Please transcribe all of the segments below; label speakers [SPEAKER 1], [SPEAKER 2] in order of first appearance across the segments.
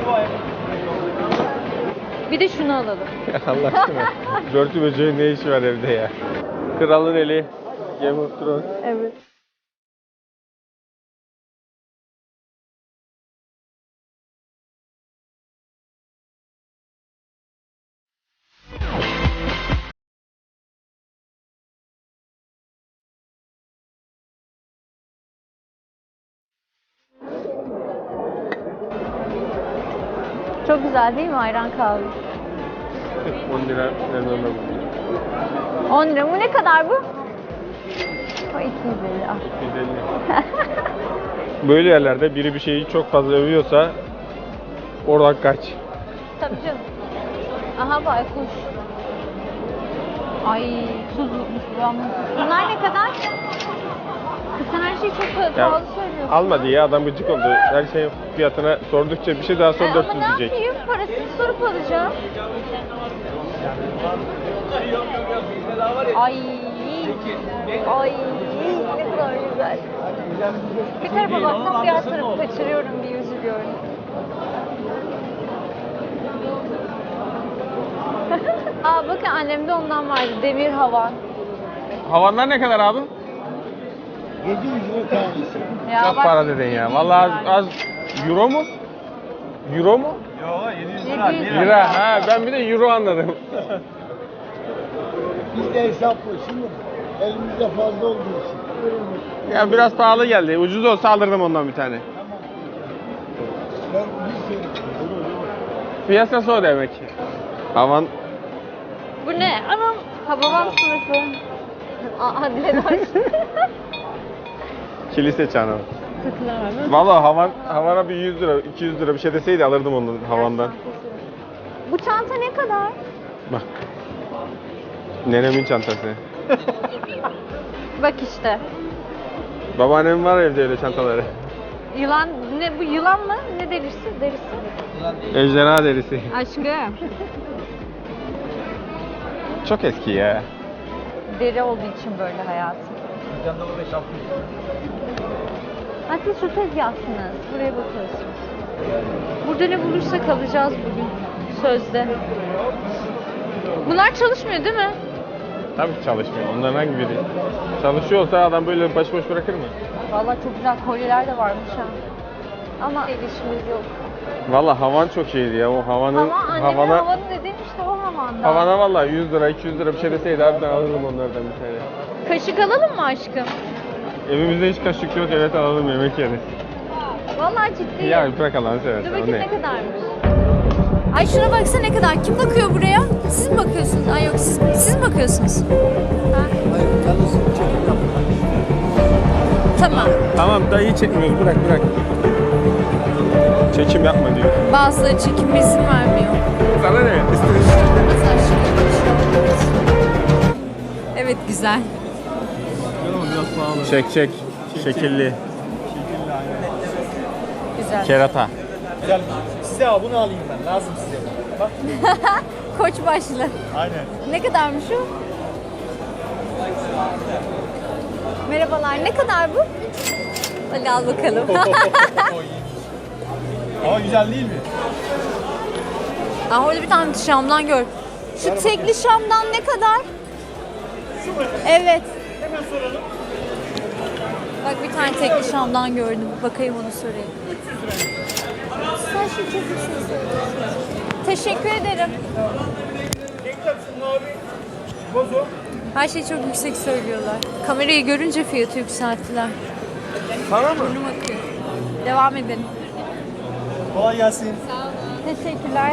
[SPEAKER 1] Bir de şunu alalım.
[SPEAKER 2] Allah aşkına. Börtü böceğin ne işi var evde ya? Kralın eli. Game of Thrones.
[SPEAKER 1] Evet. Çok güzel değil mi ayran kahve?
[SPEAKER 2] 10 lira vermem bu.
[SPEAKER 1] 10 lira. Bu ne kadar bu? O 250. Ah.
[SPEAKER 2] 250. Böyle yerlerde biri bir şeyi çok fazla övüyorsa oradan kaç.
[SPEAKER 1] Tabii canım. Aha baykuş. Ay tuzlukmuş bu ama. Bunlar ne kadar? Kız sen her şeyi çok pahalı söylüyorsun.
[SPEAKER 2] Alma diye adam gıcık oldu. Her şeyin fiyatına sordukça bir şey daha sor 400
[SPEAKER 1] ama ne
[SPEAKER 2] diyecek.
[SPEAKER 1] yapayım? Parasını sorup alacağım. Ay. Ay. Ne kadar güzel. Bir tarafa baksam diğer tarafı kaçırıyorum diye üzülüyorum. Aa bakın annemde ondan vardı. Demir havan.
[SPEAKER 2] Havanlar ne kadar abi?
[SPEAKER 3] 700 lira tanesi.
[SPEAKER 1] Ya
[SPEAKER 2] Çok
[SPEAKER 1] bak,
[SPEAKER 2] para dedin ya. Vallahi az. Euro mu? Euro mu?
[SPEAKER 3] Yok 700 lira.
[SPEAKER 1] 700
[SPEAKER 2] Lira. Ha ben bir de euro anladım.
[SPEAKER 3] Biz de hesaplı. Şimdi elimizde fazla olduğu için.
[SPEAKER 2] Ya biraz pahalı geldi. Ucuz olsa alırdım ondan bir tane.
[SPEAKER 3] Ben bir şey
[SPEAKER 2] Piyasası o demek. Havan
[SPEAKER 1] Bu ne? Anam. Hababam sınıfı. Aa Diledoş.
[SPEAKER 2] kilise çanı.
[SPEAKER 1] Takılamam.
[SPEAKER 2] Vallahi havana bir 100 lira, 200 lira bir şey deseydi alırdım onu havandan.
[SPEAKER 1] Bu çanta ne kadar?
[SPEAKER 2] Bak. Nenemin çantası.
[SPEAKER 1] Bak işte.
[SPEAKER 2] Babaannem var evde öyle çantaları.
[SPEAKER 1] Yılan ne bu yılan mı? Ne derisi? Derisi.
[SPEAKER 2] Ejderha derisi.
[SPEAKER 1] Aşkım.
[SPEAKER 2] Çok eski ya.
[SPEAKER 1] Deri olduğu için böyle hayatım.
[SPEAKER 3] dükkanda orada şapkı.
[SPEAKER 1] Ha siz şu tezgahsınız. Buraya bakıyorsunuz. Burada ne bulursak alacağız bugün. Sözde. Bunlar çalışmıyor değil mi?
[SPEAKER 2] Tabii ki çalışmıyor. Onların hangi biri? Çalışıyor olsa adam böyle baş boş bırakır mı?
[SPEAKER 1] Vallahi çok güzel kolyeler de varmış ha. Ama ilişkimiz yok.
[SPEAKER 2] Vallahi havan çok iyiydi ya. O havanın
[SPEAKER 1] Ama annemin havanın dediğim işte o havanda.
[SPEAKER 2] havana vallahi 100 lira 200 lira bir şey deseydi harbiden alırdım onlardan bir tane.
[SPEAKER 1] Kaşık alalım mı aşkım?
[SPEAKER 2] Evimizde hiç kaşık yok, evet alalım yemek yeriz.
[SPEAKER 1] Vallahi ciddiyim.
[SPEAKER 2] Ya bırak Allah'ını
[SPEAKER 1] Dur
[SPEAKER 2] seversen.
[SPEAKER 1] bakayım
[SPEAKER 2] o
[SPEAKER 1] ne kadarmış. Ay şuna baksana ne kadar. Kim bakıyor buraya? Siz mi bakıyorsunuz? Ay yok siz mi bakıyorsunuz? Ha?
[SPEAKER 3] Hayır, kendisi çekim yapıyor.
[SPEAKER 1] Tamam.
[SPEAKER 2] Tamam dayı çekmiyoruz, bırak. Çekim yapma diyor.
[SPEAKER 1] Bazıları çekim izin vermiyor.
[SPEAKER 2] Sana ne?
[SPEAKER 1] Mesela evet güzel.
[SPEAKER 3] Biraz pahalı.
[SPEAKER 2] Çek. Şekilli.
[SPEAKER 1] Güzel.
[SPEAKER 2] Kerata.
[SPEAKER 3] Güzel. Size bunu alayım ben. Lazım size. Bak.
[SPEAKER 1] Koç başlı.
[SPEAKER 3] Aynen.
[SPEAKER 1] Ne kadarmış o? Merhabalar. Ne kadar bu? Hadi al bakalım.
[SPEAKER 3] Ama güzel değil mi?
[SPEAKER 1] Aa, orada bir tane Şam'dan gör. Şu tekli Şam'dan ne kadar?
[SPEAKER 3] Şu mu?
[SPEAKER 1] Evet.
[SPEAKER 3] Hemen soralım.
[SPEAKER 1] Bak bir tane tekli Şam'dan gördüm. Bakayım onu sorayım. Sen şey çok güzel söylüyorsun. Teşekkür ederim.
[SPEAKER 3] Renkler şunun abi. Bozo.
[SPEAKER 1] Her şeyi çok yüksek söylüyorlar. Kamerayı görünce fiyatı yükselttiler.
[SPEAKER 3] Sana mı?
[SPEAKER 1] Burnum akıyor. Devam edelim.
[SPEAKER 3] Kolay gelsin.
[SPEAKER 1] Teşekkürler.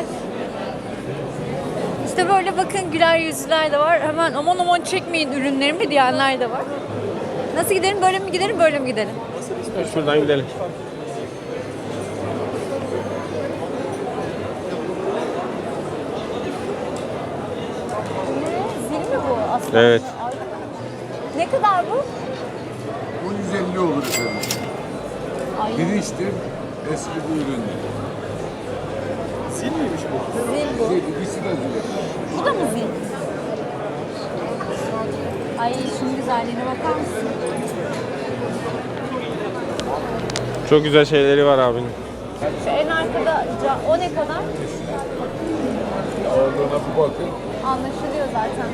[SPEAKER 1] İşte böyle bakın güler yüzlüler de var. Hemen aman çekmeyin ürünlerimi diyenler de var. Nasıl gidelim? Böyle mi gidelim? Böyle mi gidelim?
[SPEAKER 2] Şuradan gidelim.
[SPEAKER 1] Zil mi bu aslında?
[SPEAKER 2] Evet.
[SPEAKER 1] Ne kadar bu?
[SPEAKER 4] Bu 150 olur efendim.
[SPEAKER 1] Ay,
[SPEAKER 4] Pirinçtir, eski bir üründür.
[SPEAKER 3] Sil miymiş bu?
[SPEAKER 1] zil bu.
[SPEAKER 4] İkisi de zil.
[SPEAKER 1] Bu da mı zil? Ay şunun güzelliğine bakar mısın?
[SPEAKER 2] Çok güzel şeyleri var abinin.
[SPEAKER 1] Şu en arkada arkada o ne kadar?
[SPEAKER 4] Ağırlığına bir bakın.
[SPEAKER 1] Anlaşılıyor zaten.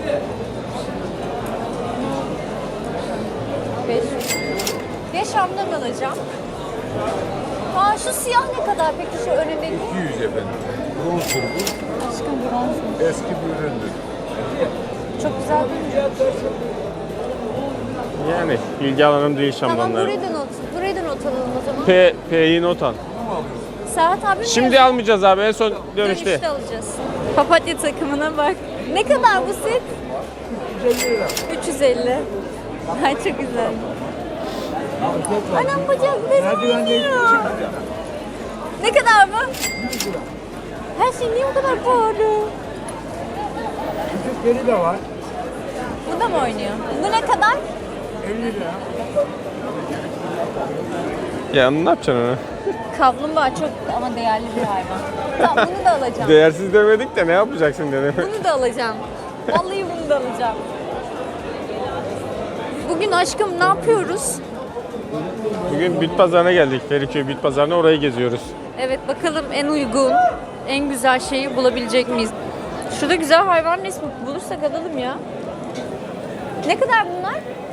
[SPEAKER 1] 500. Ya Şam'dan alacağım. Aa şu siyah ne kadar peki şu önündeki?
[SPEAKER 4] 200 efendim. Bronzdur bu.
[SPEAKER 1] Aşkım bronz.
[SPEAKER 4] Eski bir üründür.
[SPEAKER 1] Çok güzel değil mi?
[SPEAKER 2] Yani ilgi alanım değil
[SPEAKER 1] Tamam
[SPEAKER 2] Şamdanlar.
[SPEAKER 1] burayı da not alalım o zaman.
[SPEAKER 2] P'yi not al.
[SPEAKER 1] Serhat abi mi
[SPEAKER 2] Şimdi
[SPEAKER 1] yazıyor?
[SPEAKER 2] almayacağız abi, en son dönüşte.
[SPEAKER 1] Dönüşte alacağız. Papatya takımına bak. Ne kadar bu set? 350. Ay çok güzel. Anam bacaklarım yanıyor. Ne kadar bu? Her şey niye bu kadar pahalı?
[SPEAKER 3] Küçükleri de var.
[SPEAKER 1] Bu da mı oynuyor? Bu ne kadar?
[SPEAKER 3] 50 lira.
[SPEAKER 2] Ya ne yapacaksın onu?
[SPEAKER 1] Kaplumbağa çok ama değerli bir hayvan. Tamam bunu da alacağım.
[SPEAKER 2] Değersiz demedik de ne yapacaksın dedim.
[SPEAKER 1] Bunu da alacağım. Vallahi bunu da alacağım. Bugün aşkım ne yapıyoruz?
[SPEAKER 2] Bugün bit pazarına geldik. Feriköy bit pazarına, orayı geziyoruz.
[SPEAKER 1] Evet bakalım en uygun, en güzel şeyi bulabilecek miyiz? Şurada güzel hayvan resmi bulursak alalım ya. Ne kadar bunlar?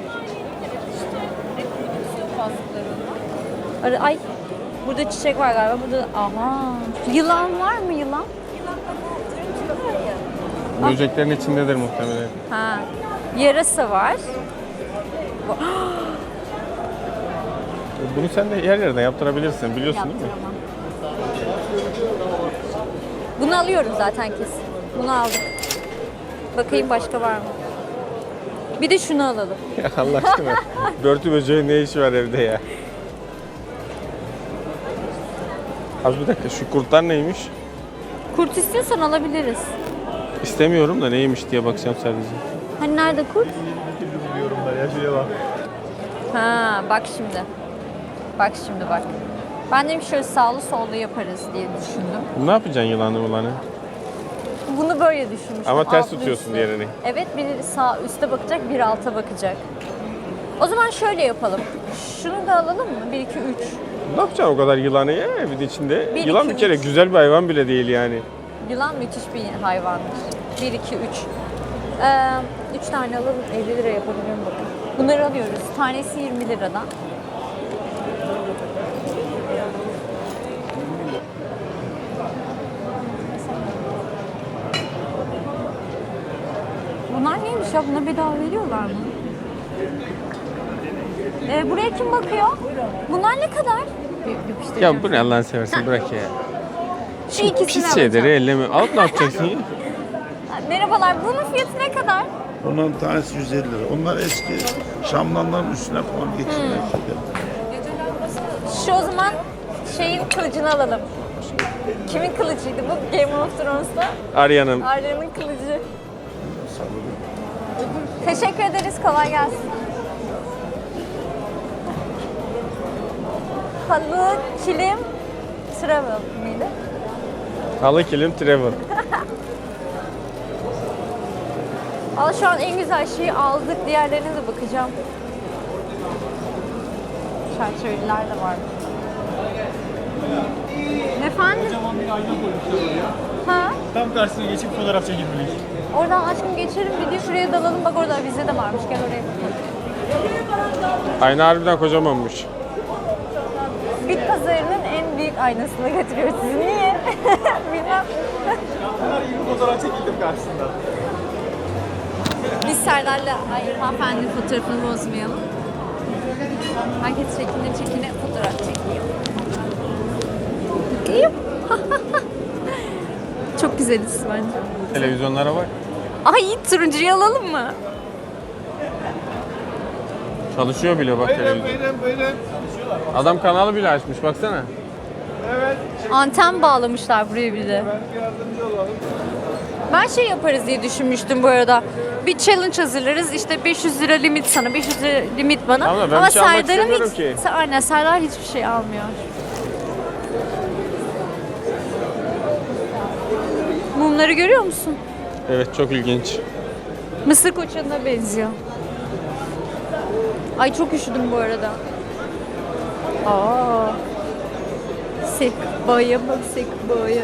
[SPEAKER 1] Ay burada çiçek var galiba. Burada aha. Yılan var mı yılan?
[SPEAKER 2] Böceklerin içindedir muhtemelen.
[SPEAKER 1] Ha. Yarasa var.
[SPEAKER 2] Bunu sen de yer yerine yaptırabilirsin, biliyorsun değil mi?
[SPEAKER 1] Yaptıramam. Bunu alıyorum zaten kesin. Bunu aldık. Bakayım başka var mı? Bir de şunu alalım.
[SPEAKER 2] Ya Allah aşkına. Börtü böceğin ne işi var evde ya? Az bir dakika, şu kurtlar neymiş?
[SPEAKER 1] Kurt istiyorsan alabiliriz.
[SPEAKER 2] İstemiyorum da neymiş diye bakacağım sadece.
[SPEAKER 1] Hani nerede kurt?
[SPEAKER 2] Yorumlar ya, şuraya bak.
[SPEAKER 1] Ha bak şimdi. Bak şimdi bak. Ben dedim şöyle sağlı sollu yaparız diye düşündüm.
[SPEAKER 2] Ne yapacaksın yılanı ulanı?
[SPEAKER 1] Bunu böyle düşünmüştüm.
[SPEAKER 2] Ama ters
[SPEAKER 1] altlı
[SPEAKER 2] tutuyorsun
[SPEAKER 1] üstlü.
[SPEAKER 2] diğerini.
[SPEAKER 1] Evet biri sağ üste bakacak, biri alta bakacak. O zaman şöyle yapalım. Şunu da alalım mı? 1, 2, 3.
[SPEAKER 2] Ne yapacaksın o kadar yılanı ya evin içinde?
[SPEAKER 1] Bir,
[SPEAKER 2] Yılan
[SPEAKER 1] iki,
[SPEAKER 2] bir kere
[SPEAKER 1] üç.
[SPEAKER 2] güzel bir hayvan bile değil yani.
[SPEAKER 1] Yılan müthiş bir hayvandır. 1, 2, 3. 3 tane alalım 50 lira yapabilirim bakın. Bunları alıyoruz. Tanesi 20 liradan. Bunlar neymiş ya? Buna bedava veriyorlar mı? Buraya kim bakıyor? Bunlar ne kadar?
[SPEAKER 2] Ya bu ne Allah'ını seversen, bırak ya.
[SPEAKER 1] Şu ikisini
[SPEAKER 2] Pis
[SPEAKER 1] alacağım.
[SPEAKER 2] şeyleri elleme. Alıp ne yapacaksın ya?
[SPEAKER 1] Merhabalar. Bunun fiyatı ne kadar?
[SPEAKER 3] Onların tanesi 150 lira. Onlar eski Şamdanların üstüne falan geçirmek.
[SPEAKER 1] Şu o zaman şeyin kılıcını alalım. Kimin kılıcıydı bu? Game of Thrones'ta
[SPEAKER 2] Arya'nın.
[SPEAKER 1] Arya'nın kılıcı. Teşekkür ederiz. Kolay gelsin. Halı, kilim, travel miydi?
[SPEAKER 2] Halı kilim travel.
[SPEAKER 1] Al şu an en güzel şeyi aldık. Diğerlerine de bakacağım. Çerçeveliler de var. Efendim?
[SPEAKER 5] Kocaman bir ayna koymuşlar oraya.
[SPEAKER 1] Ha?
[SPEAKER 5] Tam karşısına geçip fotoğraf çekilmelik.
[SPEAKER 1] Oradan aşkım geçelim. Bir de şuraya dalalım. Bak orada bizde de varmış. Gel oraya.
[SPEAKER 2] Ayna harbiden kocamanmış.
[SPEAKER 1] Bit pazarının en büyük aynasını götürüyor sizi. Niye? Bilmem.
[SPEAKER 5] Bunlar gibi fotoğraf çekildim karşısında.
[SPEAKER 1] Biz Serdar'la hanımefendinin fotoğrafını bozmayalım. Herkes çekine fotoğraf çekiyor. İyi. Çok güzeliz bence.
[SPEAKER 2] Televizyonlara bak.
[SPEAKER 1] Ay turuncuyu alalım mı?
[SPEAKER 2] Çalışıyor bile bak televizyon.
[SPEAKER 3] Buyurun.
[SPEAKER 2] Adam kanalı bile açmış, baksana.
[SPEAKER 1] Anten bağlamışlar buraya bir de. Ben şey yaparız diye düşünmüştüm bu arada. Bir challenge hazırlarız. İşte 500 lira limit sana, 500 lira limit bana.
[SPEAKER 2] Tamam da ben bir şey almak
[SPEAKER 1] Serdar'ın
[SPEAKER 2] istemiyorum
[SPEAKER 1] hiç,
[SPEAKER 2] ki.
[SPEAKER 1] Aynen Serdar hiçbir şey almıyor. Mumları görüyor musun?
[SPEAKER 2] Evet, çok ilginç.
[SPEAKER 1] Mısır koçanına benziyor. Ay çok üşüdüm bu arada. Aa. Sekboya bak sekboya.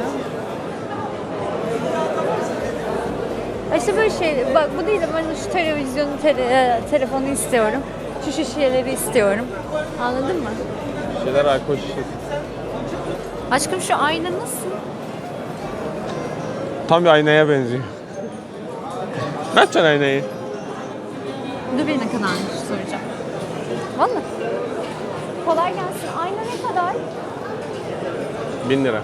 [SPEAKER 1] İşte böyle şey, bak bu değil de ben şu televizyonu, telefonu istiyorum. Şu şişeleri istiyorum. Anladın mı?
[SPEAKER 2] Şeyler alkol şişesi.
[SPEAKER 1] Aşkım şu ayna nasıl?
[SPEAKER 2] Tam bir aynaya benziyor. Ne yapacaksın aynayı?
[SPEAKER 1] Dur bir ne kadarmış soracağım. Vallahi. Kolay gelsin. Ayna ne kadar?
[SPEAKER 2] 1000 lira.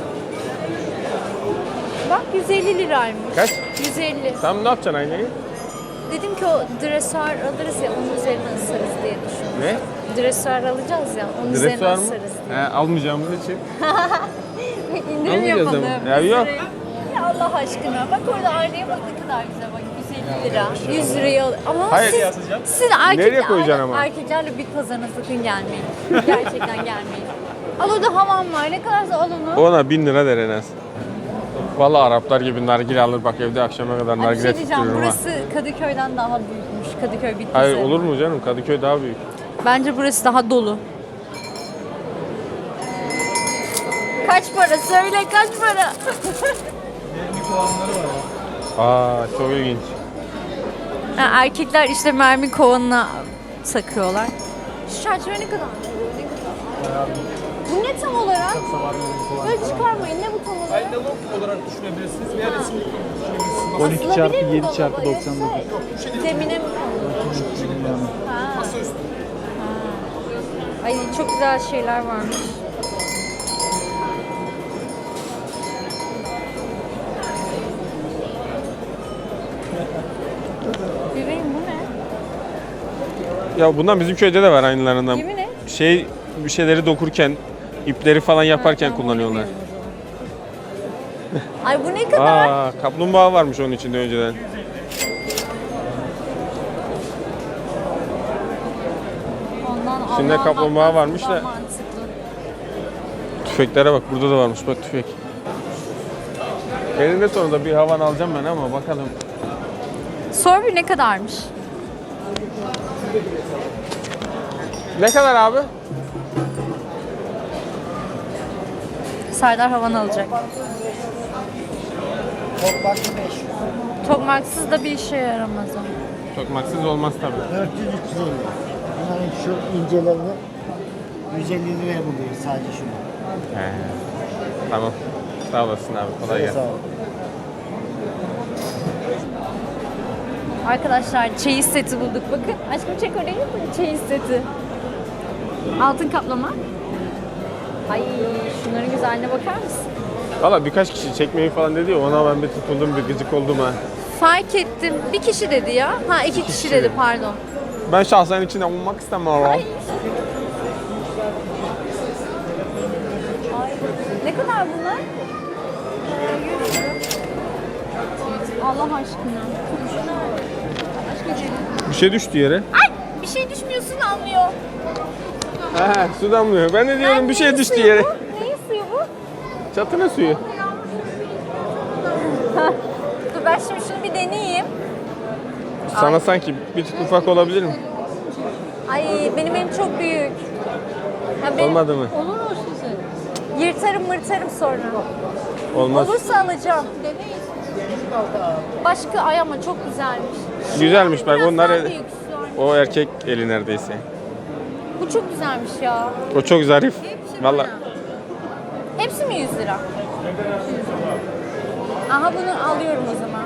[SPEAKER 1] Bak 150 liraymış.
[SPEAKER 2] Kaç?
[SPEAKER 1] 150.
[SPEAKER 2] Tam ne yapacaksın aynayı?
[SPEAKER 1] Dedim ki o dresuar alırız ya onun üzerine ısırız diye düşündüm.
[SPEAKER 2] Ne?
[SPEAKER 1] Dresuar alacağız ya onun üzerine
[SPEAKER 2] Dresuar mı?
[SPEAKER 1] ısırız diye.
[SPEAKER 2] Almayacağımız için.
[SPEAKER 1] İndirim
[SPEAKER 2] Almayacağız
[SPEAKER 1] yapalım.
[SPEAKER 2] ama. Ya yok.
[SPEAKER 1] Ya Allah aşkına. Bak orada aynaya bak ne kadar güzel. Bak 150 lira. 100 liraya al. Ama
[SPEAKER 2] Hayır.
[SPEAKER 1] siz
[SPEAKER 2] Nereye koyacaksın ama?
[SPEAKER 1] Erkeklerle bir pazarına sakın gelmeyin. Gerçekten gelmeyin. Al orada hamam var. Ne kadarsa al onu.
[SPEAKER 2] Ona 1000 lira der en az. Vallahi Araplar gibi nargile alır bak evde akşama kadar
[SPEAKER 1] Ay, bir
[SPEAKER 2] nargile
[SPEAKER 1] şey diyeceğim.
[SPEAKER 2] tuttururum ha.
[SPEAKER 1] Burası Kadıköy'den daha büyükmüş. Kadıköy Bitlis'e.
[SPEAKER 2] Hayır olur mu canım? Kadıköy daha büyük.
[SPEAKER 1] Bence burası daha dolu. Kaç para? Söyle kaç para?
[SPEAKER 2] Aa çok ilginç.
[SPEAKER 1] Ha, erkekler işte mermi kovanına takıyorlar. Şu çerçeve ne kadar? Ne kadar? Bu ne tam olarak? Böyle çıkarmayın. Ne bu tam olarak?
[SPEAKER 5] Aynalog olarak düşünebilirsiniz veya resimlik düşünebilirsiniz.
[SPEAKER 1] 12 çarpı 7 çarpı 99. Zemine mi konulur?
[SPEAKER 5] Masa üstü.
[SPEAKER 1] Ay çok güzel şeyler varmış. Bebeğim bu ne?
[SPEAKER 2] Ya bundan bizim köyde de var aynılarından.
[SPEAKER 1] Yemin et.
[SPEAKER 2] Bir şeyleri dokurken, ipleri falan yaparken
[SPEAKER 1] Ha,
[SPEAKER 2] kullanıyorlar.
[SPEAKER 1] Ay bu ne kadar?
[SPEAKER 2] Aa, kaplumbağa varmış onun içinde önceden.
[SPEAKER 1] Ondan
[SPEAKER 2] İçinde
[SPEAKER 1] Allah
[SPEAKER 2] kaplumbağa
[SPEAKER 1] Allah,
[SPEAKER 2] varmış
[SPEAKER 1] daha
[SPEAKER 2] da.
[SPEAKER 1] mantıklı.
[SPEAKER 2] Tüfeklere bak burada da varmış bak tüfek. Elinde sonunda bir havan alacağım ben ama bakalım.
[SPEAKER 1] Sor bir ne kadarmış?
[SPEAKER 2] Ne kadar abi?
[SPEAKER 1] Serdar havan alacak. Tokmaksız da bir işe yaramaz o.
[SPEAKER 2] Tokmaksız olmaz tabii.
[SPEAKER 6] 400-350. Bunların şu incelerini 150 liraya buluyor sadece şunu.
[SPEAKER 2] He. Tamam. Sağ olasın abi. Kolay gelsin.
[SPEAKER 6] Sağ ol.
[SPEAKER 1] Arkadaşlar çeyiz seti bulduk bakın. Aşkım çek orayı mı? Çeyiz seti. Altın kaplama. Ay şunların güzelliğine bakar mısın?
[SPEAKER 2] Valla birkaç kişi çekmeyi falan dedi ya ona ben bir tutuldum bir gıcık oldum ha.
[SPEAKER 1] Fark ettim. Bir kişi dedi ya. Ha iki kişi dedi pardon.
[SPEAKER 2] Ben şahsen içinde olmak istemiyorum.
[SPEAKER 1] Ay. Ne kadar bunlar? Allah aşkına.
[SPEAKER 2] Bir şey düştü yere.
[SPEAKER 1] Ay bir şey düşmüyorsun almıyor.
[SPEAKER 2] He su damlıyor. Ben de diyorum bir şey
[SPEAKER 1] neyin
[SPEAKER 2] düştü
[SPEAKER 1] suyu
[SPEAKER 2] yere.
[SPEAKER 1] bu? Neyin suyu bu?
[SPEAKER 2] Çatına suyu.
[SPEAKER 1] Dur ben şimdi şunu bir deneyeyim.
[SPEAKER 2] Sana sanki bir tık ufak olabilir mi?
[SPEAKER 1] Ay benim elim çok büyük. Ya
[SPEAKER 2] Olmadı mı?
[SPEAKER 1] Olur mu size? Yırtarım mırtarım sonra.
[SPEAKER 2] Olmaz.
[SPEAKER 1] Olursa alacağım. Başka ay ama çok güzelmiş.
[SPEAKER 2] Güzelmiş bak
[SPEAKER 1] Biraz
[SPEAKER 2] onlar
[SPEAKER 1] daha büyük şu an.
[SPEAKER 2] o erkek eli neredeyse.
[SPEAKER 1] Bu çok güzelmiş ya.
[SPEAKER 2] O çok zarif. Valla
[SPEAKER 1] Hepsi mi 100 lira? Aha bunu alıyorum o zaman.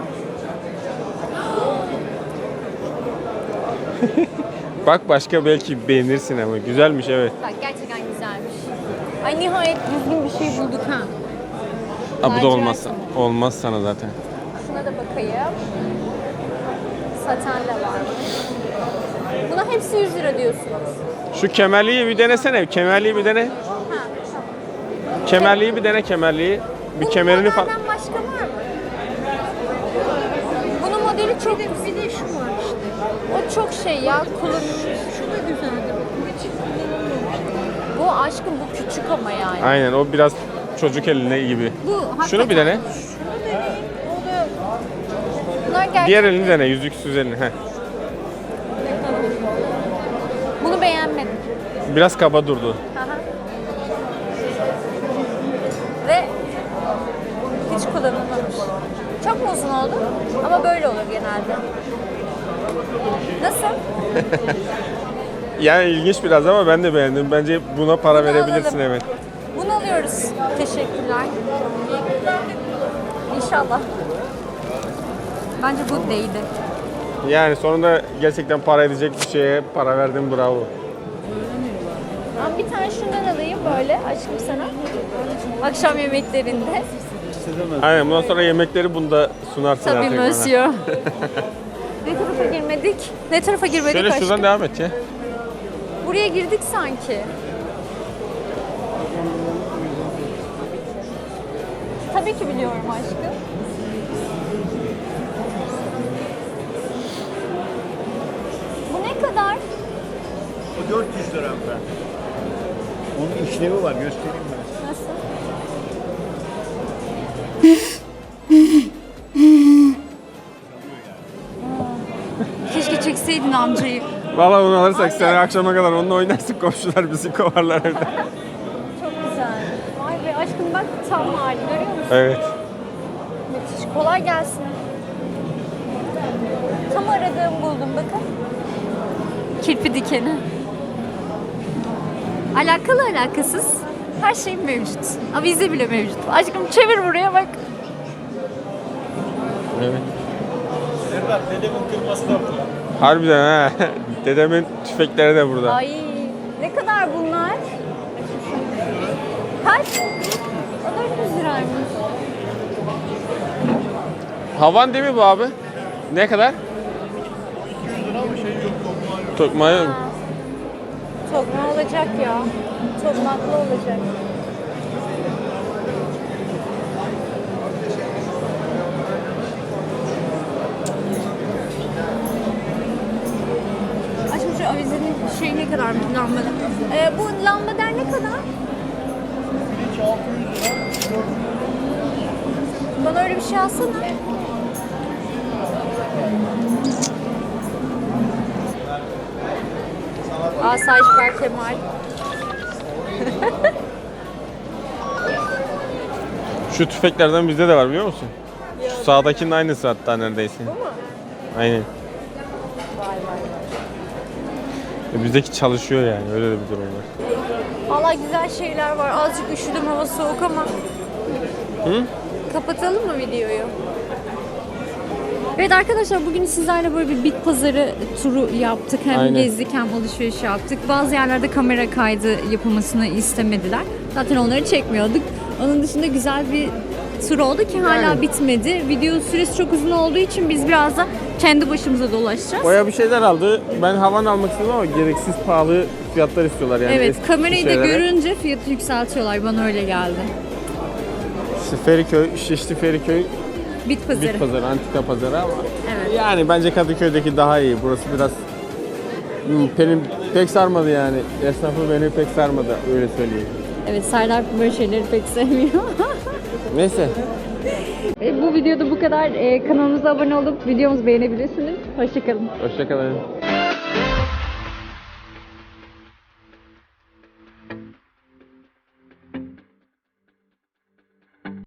[SPEAKER 2] bak başka belki beğenirsin ama güzelmiş evet.
[SPEAKER 1] Bak gerçekten güzelmiş. Ay nihayet düzgün bir şey bulduk ha.
[SPEAKER 2] Ha, bu da
[SPEAKER 1] Lacivert
[SPEAKER 2] olmaz.
[SPEAKER 1] sana.
[SPEAKER 2] Olmaz sana zaten.
[SPEAKER 1] Şuna da bakayım. Saten de varmış. Buna hepsi 100 lira diyorsunuz.
[SPEAKER 2] Şu kemerliği bir denesene. Kemerliği bir dene.
[SPEAKER 1] Ha, tamam.
[SPEAKER 2] Kemerliği bir dene kemerliği. Bir
[SPEAKER 1] Bunun
[SPEAKER 2] kemerini falan.
[SPEAKER 1] modelden başka var mı? Bunun modeli çok... Bir de şu var işte. O çok şey ya, kullanılmış. Şu da güzeldi. Bu aşkım bu küçük ama yani.
[SPEAKER 2] Aynen o biraz çocuk eline gibi.
[SPEAKER 1] Bu hakikaten.
[SPEAKER 2] Şunu bir dene.
[SPEAKER 1] Bunlar gerçek.
[SPEAKER 2] Diğer elini dene. Yüzüksüz elini. Heh.
[SPEAKER 1] Bunu beğenmedim.
[SPEAKER 2] Biraz kaba durdu.
[SPEAKER 1] Aha. Hiç kullanılmamış. Çok mu uzun oldu? Ama böyle olur genelde. Nasıl?
[SPEAKER 2] Yani ilginç biraz ama ben de beğendim. Bence buna para
[SPEAKER 1] Bunu
[SPEAKER 2] verebilirsin,
[SPEAKER 1] alalım.
[SPEAKER 2] evet.
[SPEAKER 1] Bunu alıyoruz. Teşekkürler. İnşallah. Bence bu değdi.
[SPEAKER 2] Yani sonunda gerçekten para edecek bir şeye para verdim, bravo.
[SPEAKER 1] Ben bir tane şundan alayım böyle aşkım sana. Akşam yemeklerinde.
[SPEAKER 2] Aynen, bundan sonra yemekleri bunda sunarsın
[SPEAKER 1] Tabii
[SPEAKER 2] artık bana.
[SPEAKER 1] monsieur. Ne tarafa girmedik? Ne tarafa girmedik
[SPEAKER 2] Şöyle
[SPEAKER 1] aşkım?
[SPEAKER 2] şuradan devam et ya.
[SPEAKER 1] Buraya girdik sanki. Tabii ki biliyorum aşkım. Bu ne kadar?
[SPEAKER 6] O 400 lira ben. Onun işlevi var, göstereyim ben.
[SPEAKER 1] Nasıl? Keşke çekseydin amcayı.
[SPEAKER 2] Valla onu alırsak sen akşama kadar onunla oynarsın, komşular bizi kovarlar evde.
[SPEAKER 1] Çok güzel. Vay be aşkım bak tam hali görüyor musun?
[SPEAKER 2] Evet.
[SPEAKER 1] Müthiş. Kolay gelsin. Tam aradığım buldum bakın. Kirpi dikeni. Alakalı alakasız her şey mevcut. Avize bile mevcut. Aşkım çevir buraya bak.
[SPEAKER 2] Evet.
[SPEAKER 5] Serdar dedemin kırması da burada.
[SPEAKER 2] Harbiden ha. Dedemin tüfekleri de burada.
[SPEAKER 1] Ay ne kadar bunlar? Kaç? O 400 liraymış.
[SPEAKER 2] Havan değil mi bu abi? Ne kadar? 200 lira ama şey yok, tokmağı yok.
[SPEAKER 1] Ha. Tokma olacak ya. Tokmaklı olacak. Aşkım şu avizenin şey ne kadar bu lambada? Bu lambader ne kadar? Bana öyle bir şey alsana. Asayiş Berkemal.
[SPEAKER 2] Şu tüfeklerden bizde de var, biliyor musun? Şu sağdakinin aynısı hatta neredeyse.
[SPEAKER 1] Bu mu?
[SPEAKER 2] Aynen.
[SPEAKER 1] Vay vay.
[SPEAKER 2] Bizdeki çalışıyor yani, öyle de bir durum var.
[SPEAKER 1] Valla güzel şeyler var. Azıcık üşüdüm, hava soğuk ama.
[SPEAKER 2] Hı?
[SPEAKER 1] Kapatalım mı videoyu? Evet arkadaşlar, bugün sizlerle böyle bir bit pazarı turu yaptık. Hem
[SPEAKER 2] Aynen.
[SPEAKER 1] gezdik hem alışveriş yaptık. Bazı yerlerde kamera kaydı yapılmasını istemediler. Zaten onları çekmiyorduk. Onun dışında güzel bir tur oldu ki hala
[SPEAKER 2] Yani.
[SPEAKER 1] bitmedi. Video süresi çok uzun olduğu için biz biraz da kendi başımıza dolaşacağız.
[SPEAKER 2] Boya bir şeyler aldı. Ben havan almak istedim ama gereksiz pahalı fiyatlar istiyorlar yani.
[SPEAKER 1] Evet,
[SPEAKER 2] eski
[SPEAKER 1] kamerayı da
[SPEAKER 2] şeylere.
[SPEAKER 1] görünce fiyatı yükseltiyorlar. Bana öyle geldi.
[SPEAKER 2] İşte Feriköy, Şişli Feriköy
[SPEAKER 1] Bit pazarı.
[SPEAKER 2] bit pazarı, antika pazarı ama
[SPEAKER 1] Evet.
[SPEAKER 2] yani bence Kadıköy'deki daha iyi. Burası biraz benim pek sarmadı yani. Esnafı beni pek sarmadı, öyle söyleyeyim.
[SPEAKER 1] Evet, Serdar böyle şeyleri pek sevmiyor.
[SPEAKER 2] Neyse.
[SPEAKER 1] Bu videoda bu kadar. Kanalımıza abone olup videomuzu beğenebilirsiniz. Hoşçakalın.
[SPEAKER 2] Hoşçakalın.